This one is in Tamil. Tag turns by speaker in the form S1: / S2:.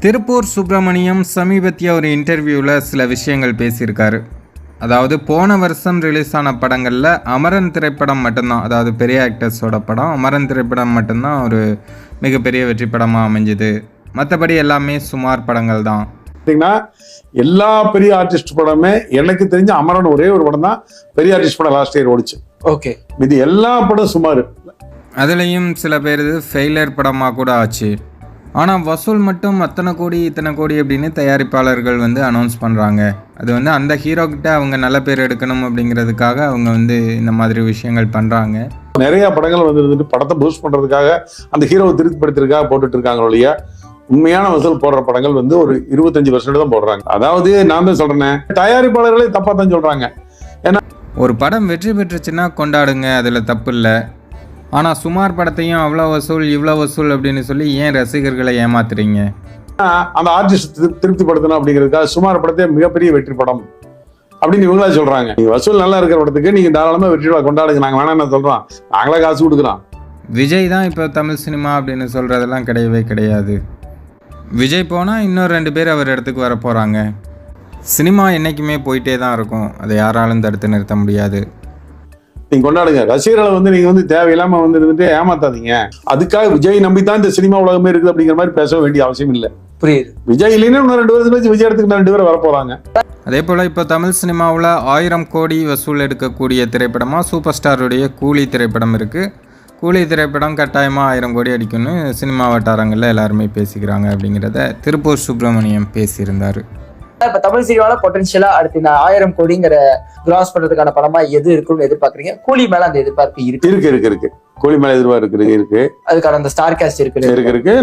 S1: திருப்பூர் சுப்பிரமணியம் சமீபத்திய ஒரு இன்டர்வியூவில் சில விஷயங்கள் பேசியிருக்காரு. அதாவது போன வருஷம் ரிலீஸ் ஆன படங்களில் அமரன் திரைப்படம் மட்டும்தான், அதாவது பெரிய ஆக்டர்ஸோட படம் அமரன் திரைப்படம் மட்டும்தான் ஒரு மிகப்பெரிய வெற்றி படமாக அமைஞ்சுது. மற்றபடி எல்லாமே சுமார் படங்கள் தான்.
S2: எல்லா பெரிய ஆர்டிஸ்ட் படமே எனக்கு தெரிஞ்ச அமரன் ஒரே ஒரு படம் தான் பெரிய ஆர்டிஸ்ட் படம் லாஸ்ட் இயர் ஓடிச்சு.
S3: ஓகே,
S2: இது எல்லா படம் சுமார்.
S1: அதுலேயும் சில பேர் ஃபெயிலியர் படமாக கூட ஆச்சு. ஆனால் வசூல் மட்டும் அத்தனை கோடி இத்தனை கோடி அப்படின்னு தயாரிப்பாளர்கள் அனௌன்ஸ் பண்ணுறாங்க. அது அந்த ஹீரோக்கிட்ட அவங்க நல்ல பேர் எடுக்கணும் அப்படிங்கிறதுக்காக அவங்க இந்த மாதிரி விஷயங்கள் பண்ணுறாங்க.
S2: நிறைய படங்கள் வந்துட்டு படத்தை பூஸ்ட் பண்றதுக்காக அந்த ஹீரோவை திருப்திப்படுத்துறதுக்காக போட்டுட்டு இருக்காங்க ஒழிய உண்மையான வசூல் போடுற படங்கள் ஒரு 25% தான் போடுறாங்க. அதாவது நான் தான் சொல்றேன், தயாரிப்பாளர்களே தப்பா தான் சொல்றாங்க. ஏன்னா
S1: ஒரு படம் வெற்றி பெற்றுச்சுன்னா கொண்டாடுங்க, அதில் தப்பு இல்லை. ஆனால் சுமார் படத்தையும் அவ்வளோ வசூல் இவ்வளோ வசூல் அப்படின்னு சொல்லி ஏன் ரசிகர்களை ஏமாத்துறீங்க?
S2: அந்த ஆர்டிஸ்ட் திருப்திப்படுத்தணும் அப்படிங்கிறதுக்காக சுமார் படத்தை மிகப்பெரிய வெற்றி படம் அப்படின்னு இவங்களா சொல்றாங்க. வசூல் நல்லா இருக்கிற படத்துக்கு நீங்க தாராளமா வெற்றி கொண்டாடுங்க, நாங்க வேணாம் சொல்றோம், நாங்களா காசு கொடுக்குறோம்.
S1: விஜய் தான் இப்போ தமிழ் சினிமா அப்படின்னு சொல்றதெல்லாம் கிடையவே கிடையாது. விஜய் போனால் இன்னொரு 2 பேர் அவர் இடத்துக்கு வர போகிறாங்க. சினிமா என்றைக்குமே போயிட்டே தான் இருக்கும், அதை யாராலும் தடுத்து நிறுத்த முடியாது.
S2: நீங்க கொண்டாடுங்க, ரசிகர்களை நீங்க தேவையில்லாம இருந்துட்டு ஏமாத்தாதீங்க. அதுக்காக விஜய் நம்பித்தான் இந்த சினிமா உலகமே இருக்குது அப்படிங்கிற மாதிரி பேச வேண்டிய அவசியம் இல்லை.
S3: புரியுது.
S2: விஜய் இல்லைன்னா இன்னும் 2 வருஷம் கழிச்சு விஜய் இடத்துக்கு 2 பேர் வர போறாங்க.
S1: அதே போல் இப்போ தமிழ் சினிமாவில் 1000 கோடி வசூல் எடுக்கக்கூடிய திரைப்படமாக சூப்பர் ஸ்டாருடைய கூலி திரைப்படம் இருக்குது. கூலி திரைப்படம் கட்டாயமாக 1000 கோடி அடிக்கும்னு சினிமா வட்டாரங்களில் எல்லாருமே பேசிக்கிறாங்க அப்படிங்கிறத திருப்பூர் சுப்பிரமணியம் பேசியிருந்தார்.
S3: இப்ப தமிழ் சினிமாவில் பொட்டன்ஷியலா அடுத்து இந்த 1000 கோடிங்கிற கிராஸ் பண்றதுக்கான படமா எது இருக்குன்னு எதிர்பார்க்குறீங்க? கூலி மேல அந்த எதிர்பார்ப்பு இருக்கு.
S2: கூலி மேல எதிர்பார்ப்பு இருக்கு. அதுக்கான அந்த ஸ்டார் காஸ்ட் இருக்கு.